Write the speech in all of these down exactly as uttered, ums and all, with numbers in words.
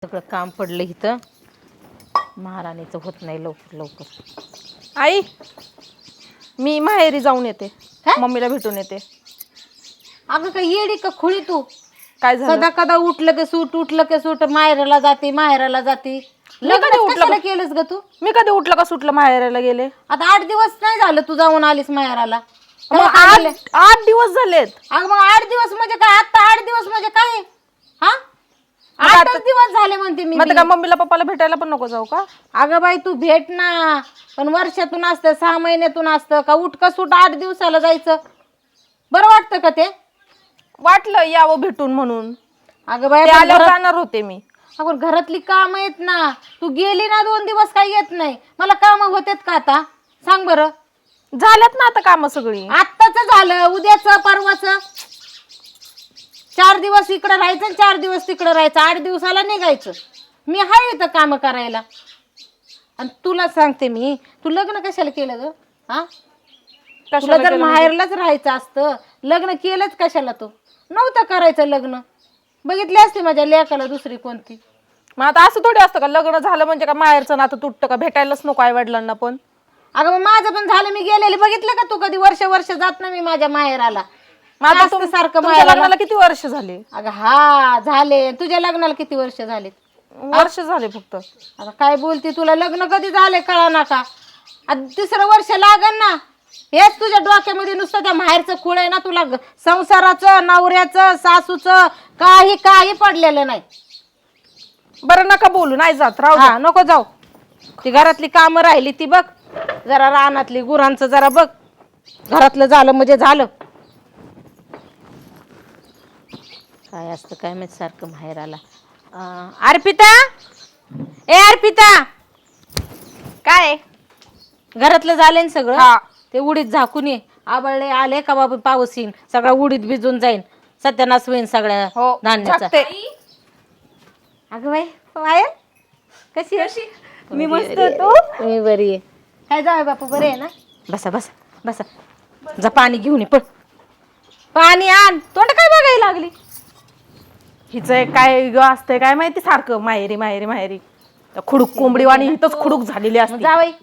सगळं काम पडलं इथं. महाराणीचं होत नाही लवकर लवकर. आई मी माहेरी जाऊन येते, मम्मीला भेटून येते. अगं काय येडी का खुळी तू? काय झालं? सदा कदा उठलं की सूट उठलं की सूट माहेराला जाते माहेराला जाते. लग्न उठलं केलंस ग तू? मी कधी उठलं का सुटलं माहेराला गेले? आता आठ दिवस नाही झालं तू जाऊन आलीस माहेराला. मग आठ आठ दिवस झालेत. अगं मग आठ दिवस म्हणजे काय? आता आठ दिवस म्हणजे काय? हा आठ दिवस झाले म्हणते मी. मग का मम्मीला पप्पाला भेटायला पण नको जाऊ का? अगं बाई तू भेट ना, पण वर्षातून असतं सहा महिन्यातून असतं का? उठ का सूट आठ दिवसाला जायचं बरं वाटतं का ते? वाटलं यावं भेटून म्हणून. अगं बाई आल्यावर जाणार होते मी. अगं घरातली काम आहेत ना, तू गेली ना दोन दिवस काही येत नाही. मला काम होतेत का आता सांग बरं? झाल्यात ना आता काम सगळी. आत्ताच झालं, उद्याचं परवाचं. चार दिवस इकडं राहायचं आणि चार दिवस तिकडं राहायचं. आठ दिवसाला निघायचं. मी हाय इथं काम करायला. आणि तुला सांगते मी, तू लग्न कशाला केलं ग? हा तुला जर माहेरलाच राहायचं असतं, लग्न केलंच कशाला? तू नव्हतं करायचं लग्न. बघितली असते माझ्या लेकाला दुसरी कोणती. मग आता असं थोडी असतं का लग्न झालं म्हणजे का माहेरचं नातं तुटतं का? भेटायलाच नको आई वडिलांना पण. अगं मग माझं पण झालं, मी गेलेली. बघितलं का तू कधी? वर्ष वर्ष जात ना मी माझ्या माहेराला. सारखं लग्नाला किती वर्ष झाले? अगं हा झाले. तुझ्या लग्नाला किती वर्ष झाले? वर्ष झाले फक्त. आता काय बोलती? तुला लग्न कधी झाले कळा ना का? तिसरं वर्ष लागन ना. हेच तुझ्या डोक्यामध्ये नुसतं त्या माहेरचं खूळ आहे ना. तुला संसाराचं, नवऱ्याचं, सासूचं काही काही पडलेलं नाही. बरं नका बोलू, नाही जात. राहू हा नको जाऊ. ती घरातली कामं राहिली ती बघ, जरा रानातली गुरांचं जरा बघ. घरातलं झालं म्हणजे झालं. काय असतं काय माहित सारखं माहेराला. अर्पिता, ए अर्पिता, काय घरातलं झालंय सगळं? हा. ते उडीत झाकून ये. आबळले आले का बाबा पाऊस येईन, सगळा उडीत भिजून जाईन, सत्यानाश होईन सगळ्या हो धान्याचा. अगं बाई पायल कशी आहे? मी मस्त होतो. मी बरी आहे. काय जाऊ बापू बरे आहे ना? बसा बसा बसा. जा पाणी घेऊन ये. पण पाणी आण. तोंड काय बघायला लागली? हिचं काय ग असतंय काय माहिती, सारखं माहेरी माहेरी माहेरी. खुडूक कोंबडी वाणी इथंच खुडूक झालेली असते. जावई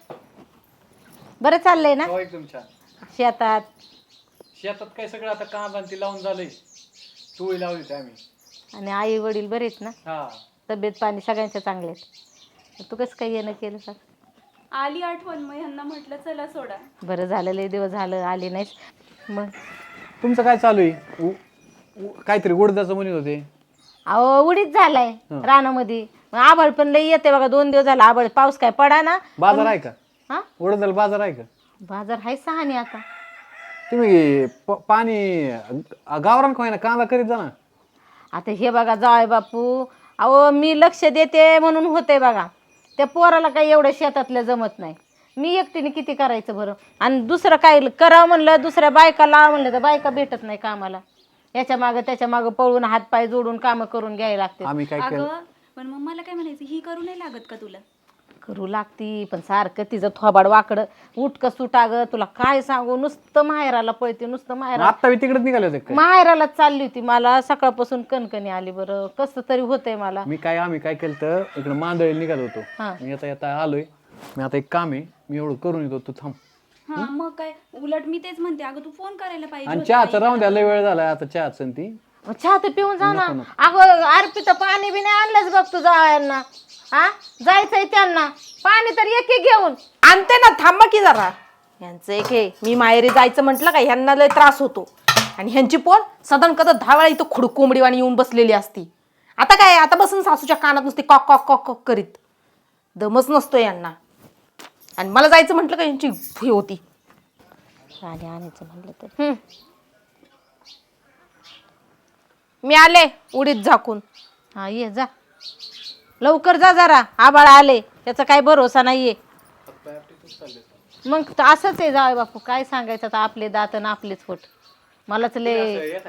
बरं चाललंय ना? हो एकदम छान. शेतात शेतात काय सगळं आता काम ती लावून झालंय. टोळी लावली होती आम्ही. आणि आई वडील बरेच ना? हा तब्येत पाणी सगळ्यांच्या चांगले आहेत. तू कसं काही येणं केलं सर? आली आठवण, मग ह्यांना म्हटलं चला सोडा. बरं झालं, लय दिवस झालं आली नाहीस. मग तुमचं काय चालू आहे? उ- उ- काहीतरी उडदाचं म्हणत होते. अहो उडीच झालाय रानामध्ये. मग आभाळ पण लई येते बघा. दोन दिवस झाला आभाळ, पाऊस काय पडा ना. बाजार आहे का? हा उडदाला बाजार आहे का? बाजार हाय सहानी आता. तुम्ही प- पाणी गावरान काय ना कांदा करीत जा ना. आता हे बघा जाय बापू, अहो मी लक्ष देते म्हणून होते बघा. त्या पोराला काही एवढं शेतातलं जमत नाही. मी एकटीने किती करायचं बरं? आणि दुसरं काय करावं म्हणलं, दुसऱ्या बायका लावा म्हणलं तर बायका भेटत नाही कामाला. याच्या मागं त्याच्या मागं पळून हातपाय जोडून कामं करून घ्यायला लागते. आम्ही काय केलं? अगं पण मग मला काय म्हणायचं, ही करू नाही लागत का तुला? करू लागती, पण सारखं तिचं थोबाड वाकडं उठक सुटा ग. तुला काय सांगू, नुसतं माहेराला पळते, नुसतं माहेरा. आता मी तिकडेच निघाले होते काय? माहेरालाच चालली होती. मला सकाळपासून कणकणी आली. बरं कसं तरी होतंय मला. मी काय आम्ही काय केलं तर इकडे मांदळी निघालो होतो. हा. मी आता येता आलोय. मी आता एक काम आहे, मी एवढं करून येतो, तू थांब. हा मग काय, उलट मी तेच म्हणते, अगं तू फोन करायला पाहिजे आणि होता चहाचं ताई. राहून द्या, लय वेळ झाला आता चहाचं ती. मग चहा तर पिऊन जा ना. अगं अर्पिता पाणी बी नाही आणलंच बघ तुझा यांना. हा जायचंय त्यांना, पाणी तर एक एक घेऊन आणते ना, थांबा की जरा. यांचं एक हे, मी माहेरी जायचं म्हटलं का ह्यांना लय त्रास होतो. आणि ह्यांची पोर सदन कदा दहा वेळा इथं खुडूक कोंबडी वाणी येऊन बसलेली असती. आता काय, आता बसून सासूच्या कानात नुसती कॉक कॉक कॉक कॉक करीत. दमच नसतो यांना. आणि मला जायचं म्हटलं का यांची हे होती. पाणी आणायचं म्हणलं तर मी आले उडीत झाकून. हा ये जा लवकर जा जरा, आबाळ आले. त्याचा काय भरोसा नाहीये. मग तर असंच आहे जाय बापू, काय सांगायचं आता. आपले दात आणि आपलेच फोट. मलाच लय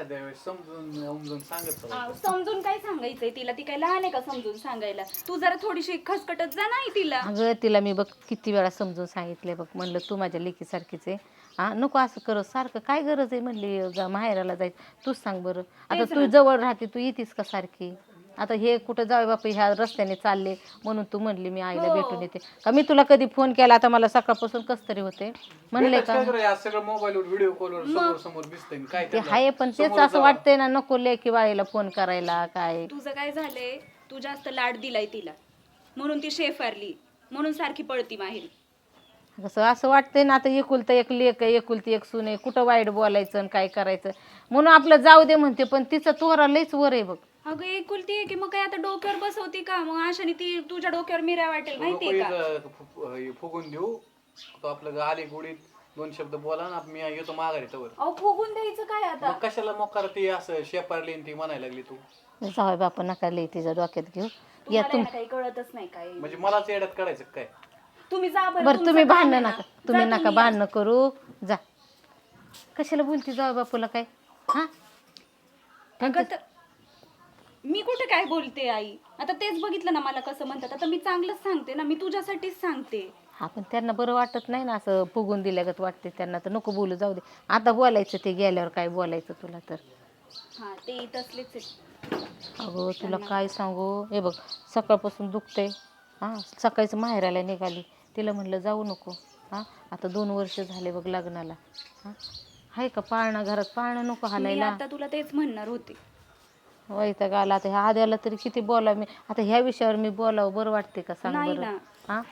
आ, समजून काय सांगायचंय तिला? ती काय लहान आहे का समजून सांगायला? तू जरा थोडीशी खसकटत जा नाही तिला. अगं तिला मी बघ किती वेळा समजून सांगितले बघ. म्हणलं तू माझ्या लेकीसारखीच आहे. हा नको असं करत सारखं. काय गरज आहे म्हणली जा माहेराला जायचं? तूच सांग बरं. आता तू जवळ राहते, तू येतीस का सारखी? आता हे कुठं जावे बापा ह्या रस्त्याने चालले म्हणून तू म्हणली मी आईला हो. भेटून येते का मी तुला कधी फोन केला आता मला सकाळपासून कस तरी होते म्हणले का काय आज सगळं मोबाईलवर व्हिडिओ कॉलवर समोर समोर दिसतंय काय ते त्याला? आहे पण तेच असं वाटतंय ना नको लेकी बाळीला फोन करायला काय तुझं काय झालंय, तू जास्त लाड दिलाय तिला म्हणून ती शेफारली, म्हणून सारखी पळती माहेरी. कसं असं वाटतंय ना आता एकुलतं एक लेक आहे एकुलती एक सून आहे कुठं वाईट बोलायचं आणि काय करायचं म्हणून आपलं जाऊ दे म्हणते पण तिचं तोरा लईच वर आहे बघ. अगं एकुलती आहे की मग काय आता डोक्यावर बसवती का? मग अशाने ती तुझ्या डोक्यावर मिऱ्या वाटेल माहितीये का? नको इथं फु- फुगून देऊ तो आपलं आले गुडीत दोन शब्द बोला ना मी येतो माघारी तवर. अहो फुगून द्यायचं काय आता? मग कशाला मोकार ती असं शेपारली आणि ती म्हणायला लागली तू जाऊ बापा नका लई तिच्या डोक्यात घेऊ या तुम्हाला तुम याला काही कळतच नाही काय. म्हणजे मलाच येड्यात काढायचं काय? तुम्ही जा बरं, बरं तुमचं तुम्ही काम भांडणं आहे ना. नका तुम्ही जा नका तुम्ही. भांडणं करू जा कशाला बोलती जाऊ बापूला काय हा अगं तर- मी कुठे काय बोलते आई? आता तेच बघितलं ना मला कसं म्हणतात. आता मी चांगलंच सांगते ना, मी तुझ्यासाठीच सांगते. हा पण त्यांना बरं वाटत नाही ना असं फुगून दिल्यागत वाटते त्यांना तर नको बोलू जाऊ दे आता बोलायचं ते गेल्यावर काय बोलायचं तुला तर हा ते तसलेच आहे. अगं तुला काय सांगू हे बघ सकाळपासून दुखते हां सकाळीच माहेराला निघाली तिला म्हणलं जाऊ नको हां आता दोन वर्ष झाले बघ लग्नाला हां आहे का पाळणं घरात पाळणं नको मी हालायला आता तुला तेच म्हणणार होते. वैताग आला आता ह्या आद्याला तरी किती बोला मी आता ह्या विषयावर मी बोलावं बरं वाटते का सांग नाही बरं ना. हां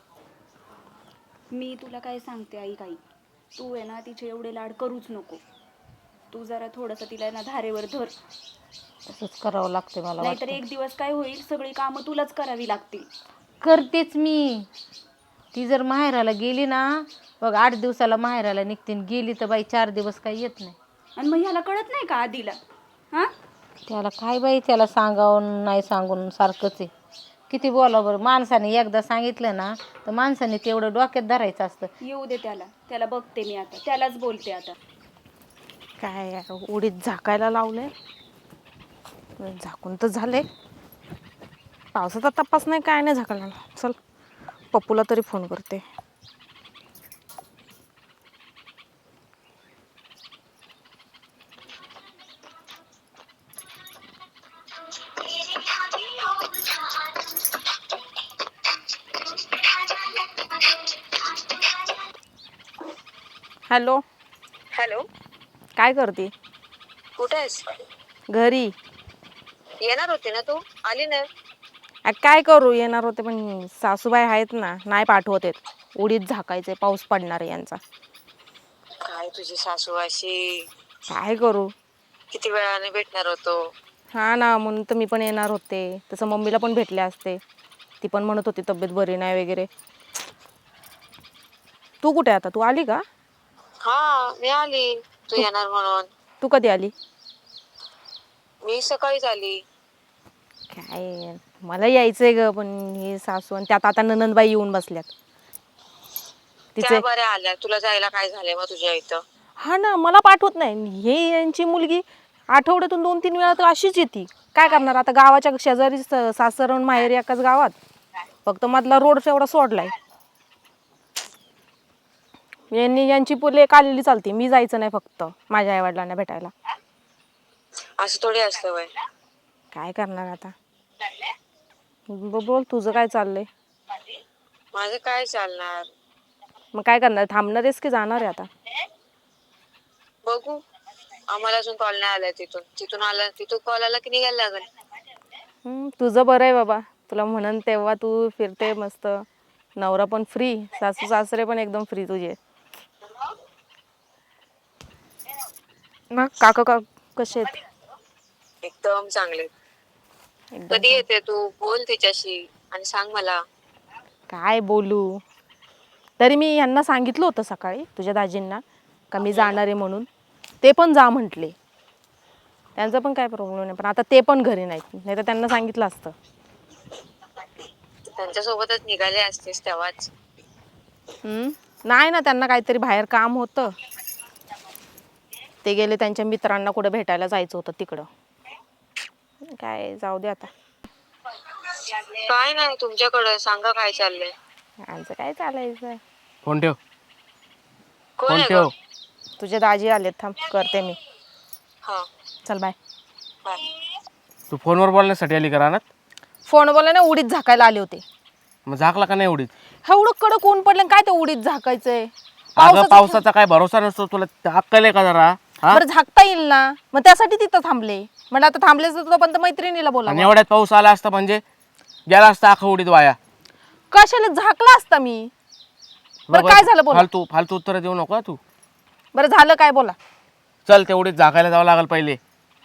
मी तुला काय सांगते आई काही, तू आहे ना तिचे एवढे लाड करूच नको. तू जरा थोडंसं तिला ना धारेवर धर, तसंच करावं लागते मला नाहीतर वाटतं एक दिवस काय होईल सगळी कामं तुलाच करावी लागतील. करतेच मी ती जर माहेराला गेली ना बघ आठ दिवसाला माहेराला निघते आणि गेली तर बाई चार दिवस काही येत नाही आणि मग ह्याला कळत नाही का आधीला? हा त्याला काय बाई त्याला सांगावून नाही सांगून सारखंच आहे किती बोलावं बरं माणसाने एकदा सांगितलं ना तर माणसाने तेवढं डोक्यात धरायचं असतं येऊ दे त्याला, त्याला बघते मी आता, त्यालाच बोलते आता. काय यार, उडीत झाकायला लावलंय झाकून तर झाले पावसाचा तपास नाही काय नाही झाकायला लावलं. चल पप्पूला तरी फोन करते. हॅलो हॅलो, काय करते? कुठे आहेस? घरी. येणार होती ना तू? आली नाही. आ, काय करू येणार होते पण सासूबाई आहेत ना नाही पाठवत आहेत. उडीत झाकायचे पाऊस पडणार आहे यांचा. काय तुझी सासू अशी? काय करू? किती वेळाने भेटणार होतो. हा ना म्हणून तर मी पण येणार होते. तसं मम्मीला पण भेटले असते. ती पण म्हणत होती तब्येत बरी नाही वगैरे. तू कुठे आता? तू आली का? हा मी आली, तू येणार म्हणून. तू कधी आली? मी सकाळीच आली. काय मला यायचंय ग पण हे सासू आणि त्यात आता ननंदबाई येऊन बसल्यात. त्या तिचे बऱ्या आल्या, तुला जायला काय झालंय मग तुझ्या इथं? हा ना मला पाठवत नाही. हे यांची मुलगी आठवड्यातून दोन तीन वेळा तर अशीच येते. काय करणार आता गावाच्या शेजारी सासर आणि माहेर एकाच गावात. फक्त मधला रोड एवढा सोडलाय. यांनी यांची पुले आलेली चालते. मी जायचं नाही फक्त माझ्या आईवडिलांना भेटायला. असं थोडी असतं वय. काय करणार आता? ब- बोल तुझं काय चाललंय? माझं काय चालणार? मग काय करणार? थांबणार आहेस की जाणार आहे आता? बघू, आम्हाला अजून कॉल नाही आलाय तिथून. तिथून आला तिथून कॉल आला की निघायला लागेल. हम्म, तुझं बरं आहे बाबा. तुला म्हणन तेव्हा तू फिरते मस्त. नवरा पण फ्री, सासू सासरे पण एकदम फ्री तुझे. मग काका का कसे आहेत? एकदम चांगले. एकदम कधी येते तू? बोल तिच्याशी आणि सांग मला. काय बोलू? तरी मी यांना सांगितलं होतं सकाळी तुझ्या दाजींना का मी जाणार आहे म्हणून. ते पण जा म्हटले. त्यांचा पण काय प्रॉब्लेम नाही पण आता ते पण घरी नाहीत. नाही तर त्यांना सांगितलं असतं. त्यांच्यासोबतच निघाले असतेस तेव्हाच. हम्म, नाही ना त्यांना काहीतरी बाहेर काम होतं. ते गेले त्यांच्या मित्रांना कुठे भेटायला जायचं होतं तिकडं. काय जाऊ दे आता. काय नाही तुमच्याकडे, सांगा काय चाललंय. आमचं काय चालायचं. फोन ठेव कोण फोन आहे ठेव. तुझे दाजी आलेत थांब करते मी. हा चल बाय. बाय. तू फोनवर बोलण्यासाठी आली का रानात? फोन बोला ना उडीत झाकायला आले होते. मग झाकला का नाही उडीत? एवढं कडक ऊन पडलं काय ते उडीत झाकायचंय? अगं पावसाचा काय भरोसा नसतो, तुला अक्कल आहे का जरा? हा? बरं झाकता येईल ना, मग त्यासाठी तिथं थांबले. म्हणजे आता थांबलेच तर पण मैत्रिणीला बोला. आणि एवढ्यात पाऊस आला असता म्हणजे गेला असता अख्खा उडीत वाया. कशाला झाकला असता मी? बरं काय झालं बोला. फालतू फालतू उत्तर देऊ नको तू. बरं झालं काय बोला. चल ते उडीत झाकायला जावं लागेल पहिले.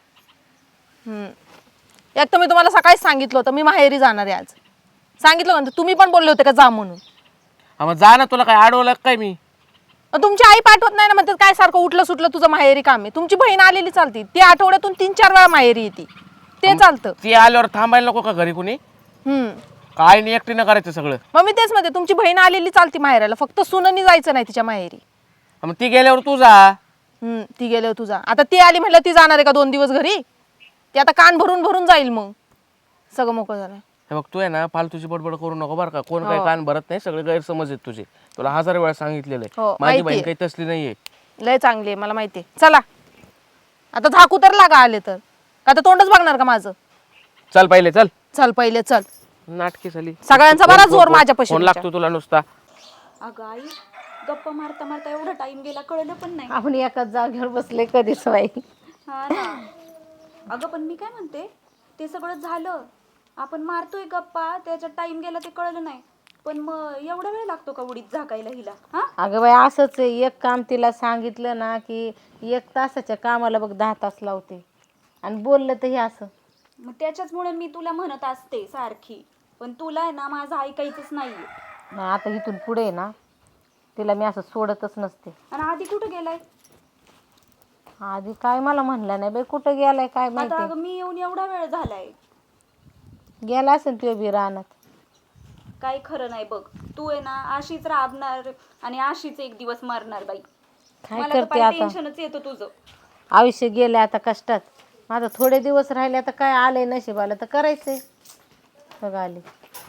हम्म. एक तर मी तुम्हाला सकाळीच सांगितलं होतं मी माहेरी जाणार आहे आज. सांगितलं का? तुम्ही पण बोलले होते का जा म्हणून. हा मग जा ना, तुला काय अडवलं काय मी? मग तुमची आई पाठवत नाही ना, म्हणतात काय सारखं उठलं सुटलं तुझं माहेरी काम आहे. तुमची बहीण आलेली चालती, ती आठवड्यातून तीन चार वेळा माहेरी येते, ते चालतं. ती आल्यावर थांबायला नको का घरी कुणी? हम्म. काय नाही, एकटीनं करायचं सगळं. मग मी तेच म्हणते तुमची बहीण आलेली चालती माहेराला, फक्त सुननी जायचं नाही तिच्या माहेरी. मग ती गेल्यावर तू जा. हम्म. ती गेल्यावर तुझा आता ती आली म्हटलं ती जाणार आहे का दोन दिवस घरी? ती आता कान भरून भरून जाईल, मग सगळं मोकळं झालं. हे बघ तू आहे ना फालतूची बडबड करू नको बरं का. कोण काही कान भरत नाही, सगळे गैरसमज आहेत तुझे. तुला हजार वेळा सांगितलेलं हो, आहे. माझी माहितीये. बहीण काही तसली नाहीये. लय चांगली आहे मला माहिती आहे. चला आता झाकू तर लागा आले तर, का तर तोंडच बघणार का माझं? चल पहिले चल. चल पहिले चल. नाटकी झाली सगळ्यांचा बरा जोर माझ्यापाशी फोन लागतो तुला नुसता. अगं आई, गप्पा मारता मारता एवढा टाइम गेला कळलं पण नाही. आपण एकाच जागेवर बसले कधीच बाई. हा ना. अगं पण मी काय म्हणते, ते सगळं झालं, आपण मारतोय गप्पा, त्याच्यात टाइम गेला ते कळलं नाही, पण मग एवढा वेळ लागतो का उडीत झाकायला हिला? हा अगं बाई असंच आहे, एक काम तिला सांगितलं ना की एक तासाच्या कामाला बघ दहा तास लावते, आणि बोललं तर हे असं. मग त्याच्याचमुळे मी तुला म्हणत असते सारखी, पण तुला आहे ना माझं ऐकायचंच नाहीये. मग आता इथून पुढे आहे ना तिला मी असं सोडतच नसते. आणि आधी कुठं गेलाय? आधी काय मला म्हणलं नाही बाई, कुठं गेलाय काय आता माहिती. अगं मी येऊन एवढा वेळ झालाय. गेला असेल तुझ्या बी रानात. काही खरं नाही बघ, तू आहे ना अशीच राबणार आणि अशीच एक दिवस मरणार बाई. काय मला तर करते पाय आता, टेन्शनच येतं तुझं. आयुष्य गेले आता कष्टात. माझं थोडे दिवस राहिले आता काय आलंय नशिबाला तर करायचंय. बघा आले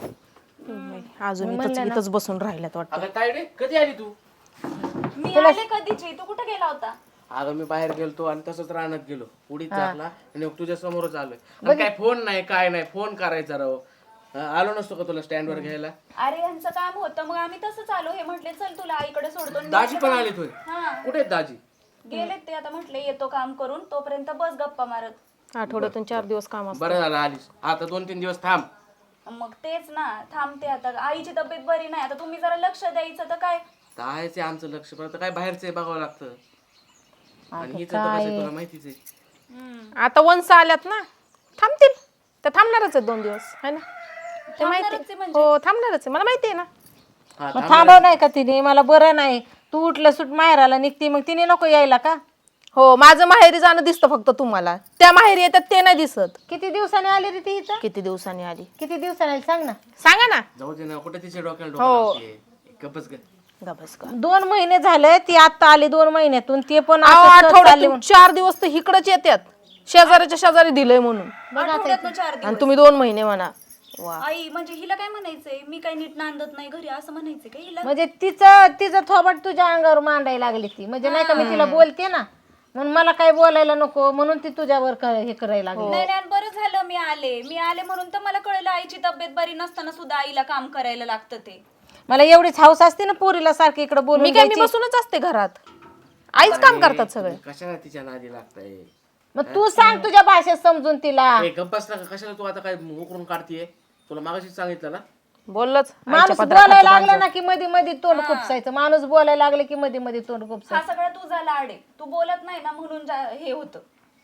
अजून इथंच इथंच बसून राहिल्यात वाटतं. अगं तायडे कधी आली तू? मी आले कधीची, तू कुठं गेला होता? अगं मी बाहेर गेलतो आणि तसंच रानात गेलो, उडीत झाकला आणि मग तुझ्या समोरच आलोय. आणि काय फोन नाही काय नाही, फोन करायचा राव. हा, आलो नसतो का तुला स्टँड वर घ्यायला? अरे यांचं काम होतं, मग आम्ही तसंच आलो. हे म्हटले चल तुला आईकडे सोडतो. आणि दाजी पण आले तुझे? हा कुठे आहेत दाजी? गेलेत ते, आता म्हटले येतो काम करून, तोपर्यंत बस गप्पा मारत. आठवड्यातून चार दिवस काम असतं. बरं झालं आलीस, आता दोन तीन दिवस थांब. मग तेच ना, थांबते आता. आईची तब्येत बरी नाही, आता तुम्ही जरा लक्ष द्यायचं तर काय. कायच आहे आमचं लक्ष, पण आता काय बाहेरचं बघावं लागतं. आणि हिचं तर कसं आहे तुला माहितीच आहे. आता वंस आल्यात ना, थांबतील. तर थांबणारच आहेत दोन दिवस, है ना? ते थांबणारच माहिती आहे म्हणजे? हो थांबणारच आहे, मला माहिती आहे ना. हा, मग थांबव नाही का तिने, मला बरं नाही, तू उठलं सुट माहेराला निघते, मग तिने नको यायला का? हो माझं माहेरी जाणं दिसतं फक्त तुम्हाला, त्या माहेरी येतात ते नाही दिसत. किती दिवसाने आली रे ती इथं? किती दिवसांनी आली किती दिवसाने आली सांग ना. सांगा ना. जाऊ दे ना, कुठे तिच्या डोक्याला डोकं गपच ग. गबस का. दोन महिने झाले ती आता आली, दोन महिन्यातून ते पण अहो, असं सहज चालली आठवड्यातून चार दिवस तर इकडच येतात, शेजाऱ्याच्या शेजारी दिलंय म्हणून. आठवड्यातनं चार आणि दिवस. तुम्ही दोन महिने म्हणा. वा. आई म्हणजे हिला काय म्हणायचंय, मी काही नीट नांदत नाही घरी असं म्हणायचंय का हिला? म्हणजे तिचं तिचं थोबट तुझ्या अंगावर मांडायला लागली ती, म्हणजे नाही का मी तिला बोलते ना, म्हणून मला काय बोलायला नको म्हणून ती तुझ्यावर क- हे करायला लागली. नाही नाही, बरं झालं मी आले. मी आले म्हणून तर मला कळलं आईची तब्येत बरी नसताना सुद्धा आईला काम करायला लागतं ते. मला एवढीच हौस असते ना पोरीला सारखी इकडे बोलून मी काय मी द्यायची. बसूनच असते घरात, आईच काम करतात सगळे. कशाला तिच्या नादी लागताय? मग तू सांग तुझ्या भाषेत समजून तिला. ए, गप्प बस ना, कशाला तू आता काय उकरून काढतीये? तुला मागाशीच सांगितलं ना. बोललंच माणूस बोलायला लागला ना की मध्ये मध्ये तोंड खुपसायचं, माणूस बोलायला लागले की मध्ये मध्ये तोंड हा खुपसायचं. सगळा तुझा लाड आहे, तू बोलत नाही ना म्हणून जा- हे होतं.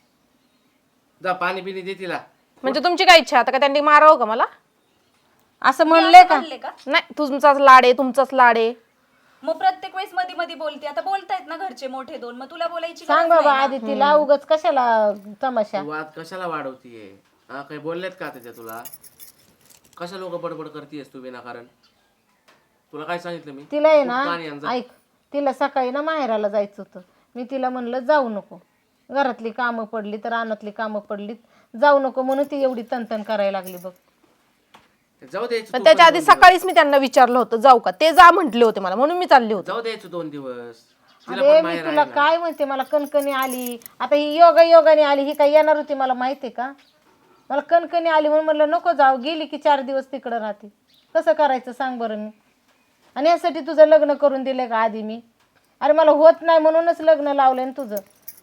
जा पाणी पिणी दे तिला. म्हणजे तुमची काय इच्छा आता का त्यांनी मारावं का मला? असं म्हणले का? म्हणले का? नाही, तुमचाच लाड आहे, तुमचाच लाड आहे. मग प्रत्येक वेळेस मध्ये मध्ये बोलते. आता बोलतायत ना घरचे मोठे दोन, मग तुला बोलायची सांग गरज बाबा नाही ना. आधी तिला, उगाच कशाला तमाशा. तू वाद कशाला वाढवतीये? हा, काही बोललेत का त्याच्या तुला? कशा लोक बडबड करतीयस तू विनाकारण? तुला काय सांगितलं मी? तिला आहे खूप पाणी आण ना, जा. ऐक, तिला सकाळी ना माहेराला जायचं होतं, मी तिला म्हणलं जाऊ नको, घरातली कामं पडली तर रानातली कामं पडली, जाऊ नको म्हणून ती एवढी तनतन करायला लागली बघ. जाऊ द्यायचं पण तू त्याच्या पण आधी दोन दिवस. सकाळीच मी त्यांना विचारलं होतं जाऊ का, ते जा म्हटले होते मला, म्हणून मी चालले होते. जाऊ द्यायचं दोन दिवस. तिला अरे पण मी माहेर तुला आहे ना. काय म्हणते, मला कणकणी आली आता, ही योगा योगाने आली, ही काय येणार होती मला माहितीये का? मला कणकणी आली म्हणून म्हणलं नको जाऊ, गेली की चार दिवस तिकडं राहते. कसं करायचं सांग बरं मी? आणि यासाठी तुझं लग्न करून दिलं का आधी मी? अरे मला होत नाही म्हणूनच लग्न लावलं ना तुझं.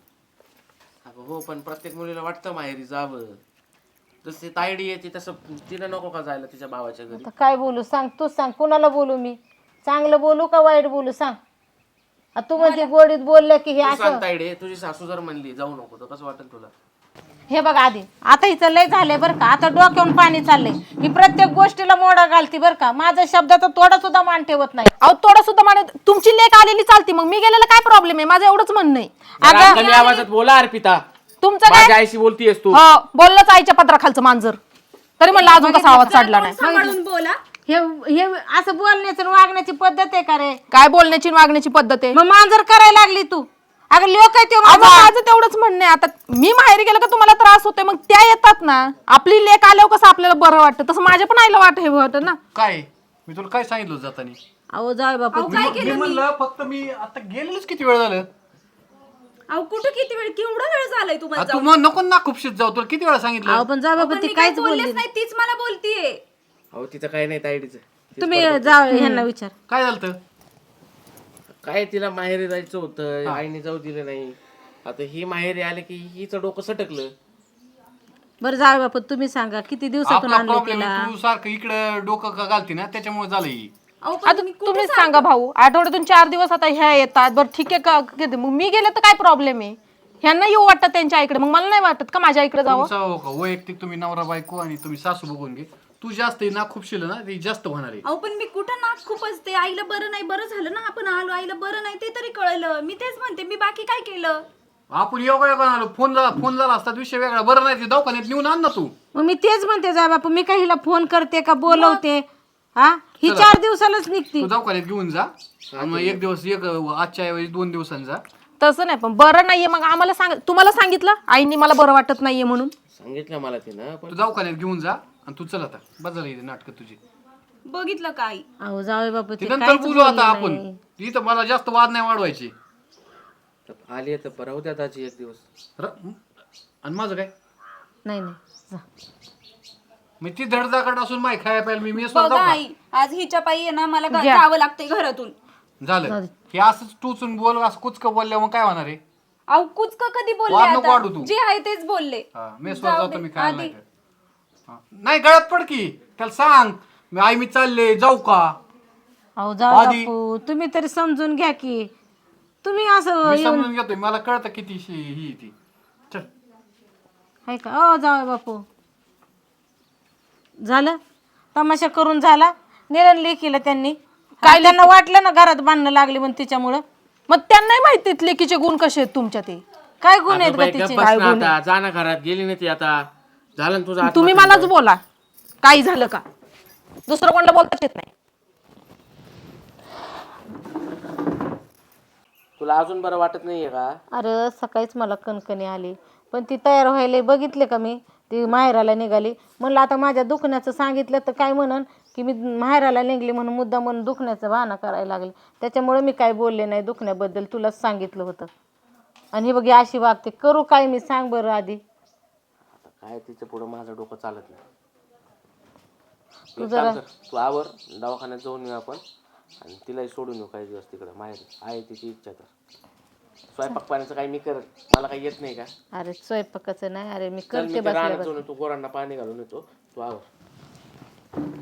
अगं हो, पण प्रत्येक मुलीला वाटतं माहेरी जावं. जसे तायडी येते तसं तिला नको का जायला तिच्या भावाच्या घरी? आता काय बोलू सांग, तूच सांग. कुणाला बोलू मी? चांगलं बोलू का वाईट बोलू सांग? आ तू म्हणजे गोडीत बोलले की हे तू असं. सांग तायडे, तुझी सासू जर म्हणली जाऊ नको तर कसं वाटेल तुला? हे बघ आधी, आता हिचं लय झालंय बरं का, आता डोक्यावरून पाणी चाललंय. ही प्रत्येक गोष्टीला मोडा घालती बरं का, माझ्या शब्दाचा थोडा सुद्धा मान ठेवत नाही. अहो थोडं सुद्धा मान, तुमची लेक आलेली चालती, मग मी गेलेलं काय प्रॉब्लेम आहे? माझं एवढंच म्हणणं आहे. जरा कमी आवाजात बोला अर्पिता. तुमचं काय? माझ्या आईशी बोलतीयस तू? हो, बोललंच आईच्या पत्राखालचं मांजर. तरी म्हणलं अजून कसा आवाज चढला नाही. सांभाळून बोला. हे हे असं बोलण्याची आणि वागण्याची पद्धत आहे का रे? काय बोलण्याची आणि वागण्याची पद्धत आहे? मग मांजर करायला लागली तू. अगं लोक आहे ते अगं, माझा. माझं तेवढंच म्हणणं आहे. आता मी माहेरी गेलं का तुम्हाला त्रास होतोय, मग त्या येतात ना. आपली लेक आल्यावर कसं आपल्याला बरं वाटतं, तसं माझ्या पण आईला वाट हे वाटतं ना. काय मी तुला काय सांगितलं होतं जातानी? अहो जाय बापू. मी म्हणलं फक्त मी आता गेलेलोच किती वेळ झालं. अहो कुठं किती वेळ, केवढा वेळ झालाय तुम्हाला आ, तू मग नको ना खूपशीत जाऊ, तुला किती वेळा सांगितलं. अहो पण जाय बापू, ती काहीच बोलली बोललेच नाही, तीच मला बोलतीये. अहो तिचं काय नाही तायडीचं. तुम्ही जा ह्यांना विचार. काय झालं तर? काय तिला माहेरी जायचं होतं, आईने जाऊ दिलं नाही. आता ही माहेरी आले की हिचं डोकं सटकलं. बरं जाय बापू, तुम्ही सांगा किती दिवसातून आपला आणलं प्रॉब्लेम तिला? तू सारखं इकडे डोकं का घालती ना, त्याच्यामुळे झालं ही. अहो पण आता तुम्हीच सांगा भाऊ, आठवड्यातून चार दिवस आता ह्या येतात. बरं ठीक आहे का, किती- मग मी गेले तर काय प्रॉब्लेम आहे? ह्यांना येऊ वाटतं त्यांच्या आईकडे, मग मला नाही वाटत का माझ्या आईकडे जावं? तुमचा हो का वैयक्तिक तुम्ही नवरा बायको आणि तुम्ही सासू बघून घे. तू जास्त ना खूपशील ना, ती जास्त होणार आहे. अहो पण मी कुठं नाक खूप असते. आईला बरं नाही, बरं झालं ना आपण आलो, आईला बरं नाही ते तरी कळलं. मी तेच म्हणते, मी बाकी काय केलं? आपण योगा योगा आलो, फोन झाला फोन झाला असतात विषय वेगळा. बरं नाही ते दवाखान्यात नेऊन आण ना तू. मग मी तेच म्हणते जाय बापू, मी काही हिला फोन करते का बोलवते? हा, ही चार दिवसालाच निघती. तू दवाखान्यात घेऊन जा आणि मग एक दिवस एक आजच्या ऐवजी दोन दिवसांनी जा. तसं नाही, पण बरं नाहीये मग आम्हाला सांग. तुम्हाला सांगितलं आईने मला बरं वाटत नाहीये म्हणून? सांगितलं मला तिनं, पण तू दवाखान्यात घेऊन जा आणि तू चल आता बस झाली नाटक तुझी. बघितलं का आई? अहो जावे बापू, ते ते नंतर काहीच बोलू आता बोलली आपण. नाही. इथं मला जास्त वाद नाही वाढवायचे. आली तर बरं होत्या दाजी एक दिवस. र- आणि माझं काय नाही नाही जा. मी ती धडधाकट असून माय खाया प्यायला मी मेस बघा आई, आज हिच्या पायी आहे ना मला घ- जावं लागतंय घरातून. झालं हे असंच टूचून बोल, असं कुचकं बोलल्यावर मग काय होणार आहे? अहो कुचक कधी बोलले? वाद नको आता वाढू तू. जे आहे तेच बोलले. हा, मेसवर जातो मी खायला नाही तर. हा. नाही गळ्यात पड की त्याला सांग मी आई मी चालले जाऊ का. अहो जावे आधी- बापू, तुम्ही तरी समजून घ्या की. तुम्ही असं मी समजून घेतोय, मला कळतं किती शी- ही ती. चल आहे का? अहो जावे बापू, झालं तमाशा करून झाला. निरण लेकीला त्यांनी काय त्यांना वाटलं ना घरात बांधणं लागली म्हणून तिच्यामुळं. मग त्यांनाही माहिती लेकीचे गुण कसे आहेत तुमच्या. ते काय गुण आहेत अगं का बाई, तिचे? गप्प बस ना आता. जा ना घरात, गेली नाही ती आता. झालं ना तुझं तुम्ही आत्महत्या. मलाच बोला काही झालं का, दुसरं कोणाला बोलताच येत नाही. तुला अजून बरं वाटत नाहीये का? अरे सकाळीच मला कणकणी आली, पण ती तयार व्हायला बघितले का मी, ती माहेराला निघाली. म्हणलं आता माझ्या दुखण्याचं सांगितलं तर काय म्हणन की मी माहेराला निघली म्हणून मुद्दा म्हणून दुखण्याचं बहाणा करायला लागले. त्याच्यामुळे मी काय बोलले नाही दुखण्याबद्दल, तुलाच सांगितलं होतं. आणि ही बघी अशी वागते, करू काय मी सांग बरं आधी. काय तिच्या पुढं माझं डोकं चालत नाही. तू एक जरा- काम कर, तू आवर दवाखान्यात जाऊन येऊ आपण आणि तिलाही सोडून येऊ काही दिवस तिकडं माहेर. आहे तिची इच्छा तर. स्वयंपाक पाण्याचं काही मी करत, मला काही येत नाही का? अरे स्वयंपाकाचं नाही, अरे मी चल करते मी ते रानात बसल्या जाऊन येतो, गोरांना पाणी घालून येतो, तू आवर.